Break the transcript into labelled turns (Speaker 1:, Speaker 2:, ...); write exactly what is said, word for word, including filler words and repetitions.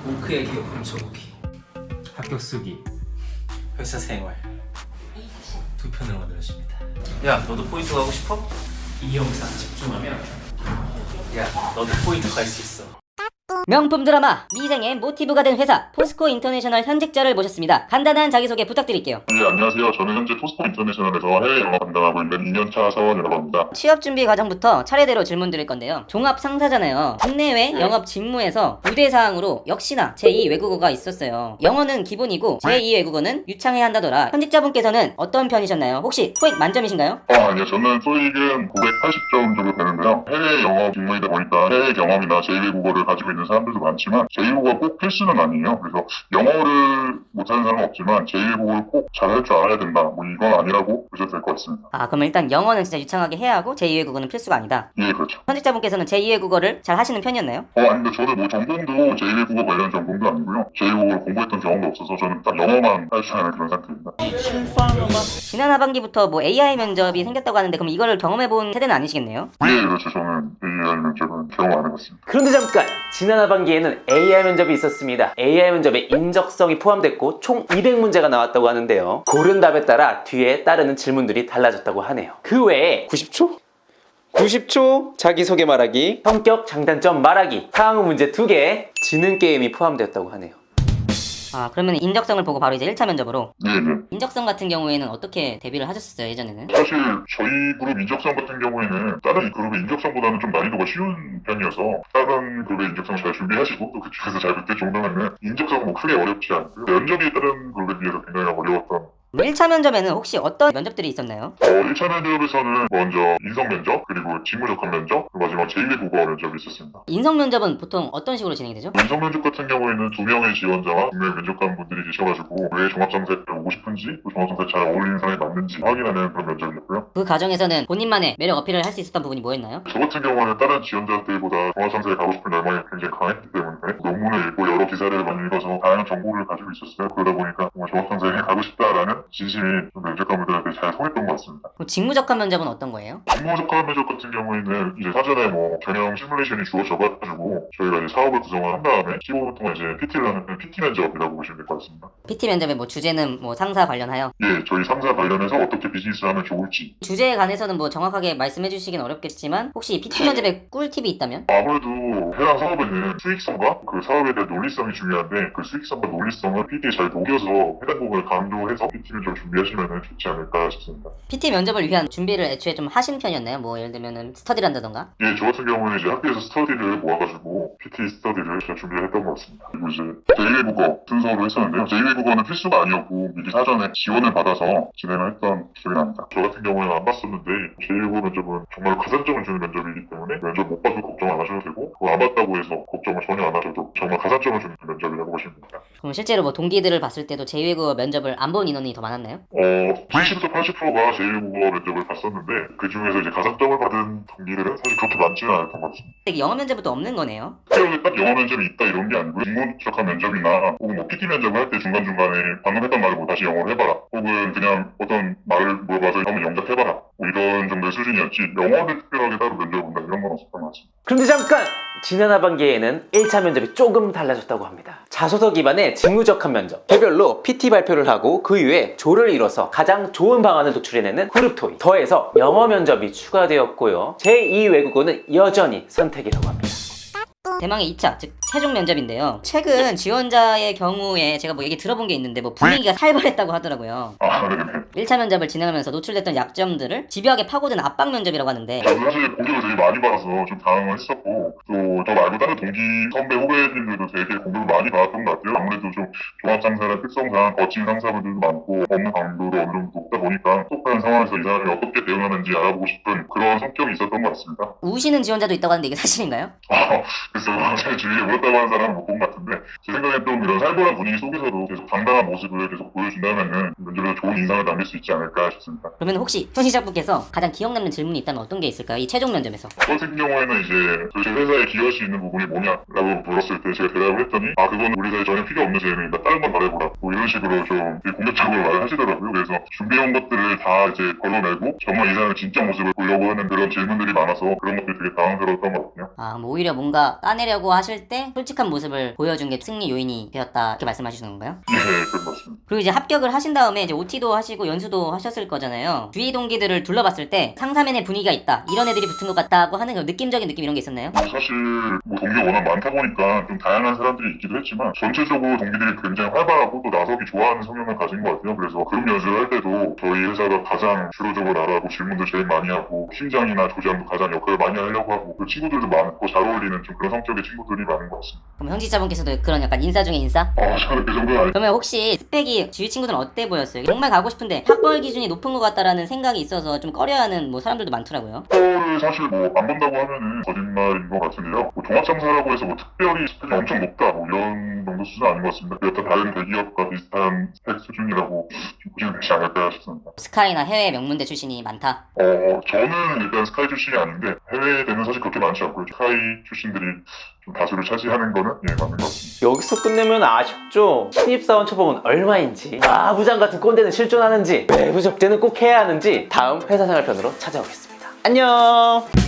Speaker 1: 오크의 기업 훔쳐보기,
Speaker 2: 학교 쓰기,
Speaker 1: 회사 생활 두 편으로 만들어집니다. 야, 너도 포인트 가고 싶어? 이 영상 집중하면 야, 너도 포인트 갈 수 있어.
Speaker 3: 명품 드라마 미생의 모티브가 된 회사 포스코 인터내셔널 현직자를 모셨습니다. 간단한 자기소개 부탁드릴게요.
Speaker 4: 네, 안녕하세요. 저는 현재 포스코 인터내셔널에서 해외 영업 담당하고 있는 이 년차 사원이라고 합니다.
Speaker 3: 취업 준비 과정부터 차례대로 질문 드릴 건데요. 종합 상사잖아요. 국내외 영업 직무에서 우대사항으로 역시나 제이 외국어가 있었어요. 영어는 기본이고 제이 외국어는 유창해야 한다더라. 현직자분께서는 어떤 편이셨나요? 혹시 토익 만점이신가요?
Speaker 4: 어, 아니요. 저는 토익은 구백팔십 점 정도 되는데요. 해외 영업 직무이다 보니까 해외 경험이나 제이 외국어를 가지고 있는 사람들도 많지만 제이 외국어가 꼭 필수는 아니에요. 그래서 영어를 못하는 사람은 없지만 제이 외국어를 꼭 잘할 줄 알아야 된다. 뭐 이건 아니라고 보셔도 될 것 같습니다.
Speaker 3: 아, 그럼 일단 영어는 진짜 유창하게 해야 하고 제이 외국어는 필수가 아니다.
Speaker 4: 예, 그렇죠.
Speaker 3: 현직자분께서는 제이 외국어를 잘 하시는 편이었나요?
Speaker 4: 어, 아닌데 저는 뭐 전공도 제이 외국어 관련 전공도 아니고요. 제이 외국어를 공부했던 경험도 없어서 저는 딱 영어만 할 줄 아는 그런 상태입니다.
Speaker 3: 지난 하반기부터 뭐 에이아이 면접이 생겼다고 하는데 그럼 이거를 경험해본 세대는 아니시겠네요?
Speaker 4: 예, 그렇죠. 저는 에이아이 면접은 경험 안 해봤습니다.
Speaker 5: 그런데 잠깐! 지난 하반기에는 에이아이 면접이 있었습니다. 에이아이 면접에 인적성이 포함됐고 총 이백 문제가 나왔다고 하는데요. 고른 답에 따라 뒤에 따르는 질문들이 달라졌다고 하네요. 그 외에 구십 초? 구십 초 자기소개 말하기, 성격 장단점 말하기, 상황 문제 두 개, 지능 게임이 포함되었다고 하네요.
Speaker 3: 아, 그러면 인적성을 보고 바로 이제 일 차 면접으로.
Speaker 4: 예, 네.
Speaker 3: 인적성 같은 경우에는 어떻게 대비를 하셨었어요, 예전에는?
Speaker 4: 사실 저희 그룹 인적성 같은 경우에는 다른 그룹의 인적성보다는 좀 난이도가 쉬운 편이어서 다른 그룹의 인적성 잘 준비하시고 또 그쪽에서 잘 붙을 정도면은 인적성은 뭐 크게 어렵지 않고요. 면접이 다른 그룹에 비해서 굉장히 어려웠던
Speaker 3: 일 차 면접에는 혹시 어떤 면접들이 있었나요?
Speaker 4: 어, 일 차 면접에서는 먼저 인성 면접, 그리고 직무적합 면접, 그리고 마지막 제이 외국어 면접이 있었습니다.
Speaker 3: 인성 면접은 보통 어떤 식으로 진행이 되죠?
Speaker 4: 인성 면접 같은 경우에는 두 명의 지원자와 두 명의 면접관 분들이 계셔가지고 왜 종합상사에 오고 싶은지, 또 종합상사에 잘 어울리는 사람이 맞는지 확인하는 그런 면접이었고요.
Speaker 3: 그 과정에서는 본인만의 매력 어필을 할 수 있었던 부분이 뭐였나요?
Speaker 4: 저 같은 경우는 다른 지원자들보다 종합상사에 가고 싶은 열망이 굉장히 강했기 때문에 논문을 읽고 여러 기사를 많이 읽어서 다양한 정보를 가지고 있었어요. 그러다 보니까 정말 종합상사에 가고 싶다라는 진심이 면접관분들한테 잘 통했던 것 같습니다.
Speaker 3: 그럼 직무적합 면접은 어떤 거예요?
Speaker 4: 직무적합 면접 같은 경우에는 이제 사전에 뭐 경영 시뮬레이션이 주어져가지고 저희가 이제 사업을 구성을 한 다음에 십오 분 동안 이제 피티를 하는 피티 면접이라고 보시면 될 것 같습니다.
Speaker 3: 피티 면접의 뭐 주제는 뭐 상사 관련하여
Speaker 4: 예, 저희 상사 관련해서 어떻게 비즈니스를 하면 좋을지
Speaker 3: 주제에 관해서는 뭐 정확하게 말씀해 주시긴 어렵겠지만 혹시 피티 면접에 꿀팁이 있다면?
Speaker 4: 아무래도 해당 사업에는 수익성과 그 사업에 대한 논리성이 중요한데 그 수익성과 논리성을 피티에 잘 녹여서 해당 부분을 강조해서 피티 면접을 준비하시면 좋지 않을까 싶습니다.
Speaker 3: 피티 면접을 위한 준비를 애초에 좀 하신 편이었나요? 뭐 예를 들면은 스터디를 한다던가?
Speaker 4: 예, 저 같은 경우는 이제 학교에서 스터디를 모아가지고 피티 스터디를 잘 준비를 했던 것 같습니다. 그리고 이제 제이 외국어 순서로 했었는데요. 제이 외국어는 필수가 아니었고 미리 사전에 지원을 받아서 진행을 했던 기억이 납니다. 저 같은 경우에는 안 봤었는데 제이 외국어 면접은 정말 가산점을 주는 면접이기 때문에 면접 못 봐도 걱정 안 하셔도 되고 그거 안 봤다고 해서 걱정을 전혀 안 하셔도 정말 가산점을 주는 면접이라고 보시면 됩니다.
Speaker 3: 그럼 실제로 뭐 동기들을 봤을 때도 제이 외국어 면접을 안 본 인원이 더 많았나요?
Speaker 4: 어, 칠십에서 팔십 퍼센트가 제이 외국어 면접을 봤었는데 그 중에서 이제 가산점을 받은 동기들은 사실 그렇게 많지는 않았던 것 같습니다.
Speaker 3: 되게 영어 면접도 없는 거네요?
Speaker 4: 학교에 딱 영어 면접이 있다 이런 게 아니고 직무적합 면접이나 혹은 뭐 피티 면접을 할 때 중간중간에 방금 했던 말을 뭐 다시 영어로 해봐라 혹은 그냥 어떤 말을 물어봐서 한번 영작해봐라 뭐 이런 정도의 수준이었지 영어를 특별하게 따로 면접을 본다 이런 건 없었던 것 같습니다.
Speaker 5: 그런데 잠깐! 지난 하반기에는 일 차 면접이 조금 달라졌다고 합니다. 자소서 기반의 직무적합 면접, 개별로 피티 발표를 하고 그 이후에 조를 이뤄서 가장 좋은 방안을 도출해내는 그룹 토익, 더해서 영어 면접이 추가되었고요. 제이 외국어는 여전히 선택이라고 합니다.
Speaker 3: 대망의 이 차, 즉 최종 면접인데요. 최근 지원자의 경우에 제가 뭐 얘기 들어본 게 있는데 뭐 분위기가 살벌했다고 하더라고요.
Speaker 4: 아, 네네.
Speaker 3: 일 차 면접을 진행하면서 노출됐던 약점들을 집요하게 파고든 압박 면접이라고 하는데
Speaker 4: 저는 사실 공격을 되게 많이 받아서 좀 당황을 했었고 또 저 말고 다른 동기 선배 후배님들도 되게 공격을 많이 받았던 것 같아요. 아무래도 좀 종합상사의 특성상 거친 상사분들도 많고 업무 강도도 어느 정도 높다 보니까 똑똑한 상황에서 이 사람이 어떻게 대응하는지 알아보고 싶은 그런 성격이 있었던 것 같습니다.
Speaker 3: 우시는 지원자도 있다고 하는데 이게 사실인가요?
Speaker 4: 아, 그래서 제 주위에 울었다고 하는 사람은 못 본 것 같은데 제 생각엔 좀 이런 살벌한 분위기 속에서도 계속 당당한 모습을 계속 보여준다면은 면접에서 좋은 인상을 남길 수 있지 않을까 싶습니다.
Speaker 3: 그러면 혹시 손시작분께서 가장 기억 남는 질문이 있다면 어떤 게 있을까요? 이 최종 면접에서.
Speaker 4: 저 같은 경우에는 이제 저희 회사에 기여할 수 있는 부분이 뭐냐라고 물었을 때 제가 대답을 했더니 아 그건 우리 회사에 전혀 필요 없는 재능이다 딱 다른 건 말해보라 뭐 이런 식으로 좀 되게 공격적으로 말을 하시더라고요. 그래서 준비해온 것들을 다 이제 걸러내고 정말 이 사람의 진짜 모습을 보려고 하는 그런 질문들이 많아서 그런 것들이 되게 당황스러웠던 것 같거든요.
Speaker 3: 아, 뭐 오히려 뭔가 따내려고 하실 때 솔직한 모습을 보여준 게 승리 요인이 되었다 이렇게 말씀하시는 건가요?
Speaker 4: 예, 그런 것 같습니다.
Speaker 3: 그리고 이제 합격을 하신 다음에 이제 오티도 하시고 연수도 하셨을 거잖아요. 주위 동기들을 둘러봤을 때 상사면의 분위기가 있다, 이런 애들이 붙은 것 같다고 하는 느낌적인 느낌 이런 게 있었나요?
Speaker 4: 사실 뭐 동기가 워낙 많다 보니까 좀 다양한 사람들이 있기도 했지만 전체적으로 동기들이 굉장히 활발하고 또 나서기 좋아하는 성향을 가진 것 같아요. 그래서 그룹 연수를 할 때도 저희 회사가 가장 주도적으로 나가고 질문도 제일 많이 하고 팀장이나 조장도 가장 역할을 많이 하려고 하고 그 친구들도 많고 잘 어울리는 좀 그런 성격의 친구들이 많은 것 같습니다.
Speaker 3: 그럼 현직자분께서도 그런 약간 인싸 중에 인싸?
Speaker 4: 아 저는 그 정도는 아니
Speaker 3: 그러면 혹시 스펙이 주위 친구들은 어때 보였어요? 정말 가고 싶은데 학벌 기준이 높은 것 같다라는 생각이 있어서 좀 꺼려하는 뭐 사람들도 많더라고요.
Speaker 4: 학벌을 사실 뭐 안 본다고 하면은 거짓말인 것 같은데요. 뭐 종합상사라고 해서 뭐 특별히 스펙이 엄청 높다 뭐 이런 정도 수준은 아닌 것 같습니다. 여타 다른 대기업과 비슷한 스펙 수준이라고 좀 보시면 되지 않을까 싶습니다.
Speaker 3: 스카이나 해외 명문대 출신이 많다.
Speaker 4: 어 저는 일단 스카이 출신이 아닌데 해외에는 사실 그렇게 많지 않고요. 스카이 출신들이 좀 다수를 차지하는 거는 예 맞는 것 같습니다.
Speaker 5: 여기서 끝내면 아쉽죠? 신입사원 초봉은 얼마인지, 아 부장 같은 꼰대는 실존하는지, 외부 접대는 꼭 해야 하는지 다음 회사생활 편으로 찾아오겠습니다. 안녕.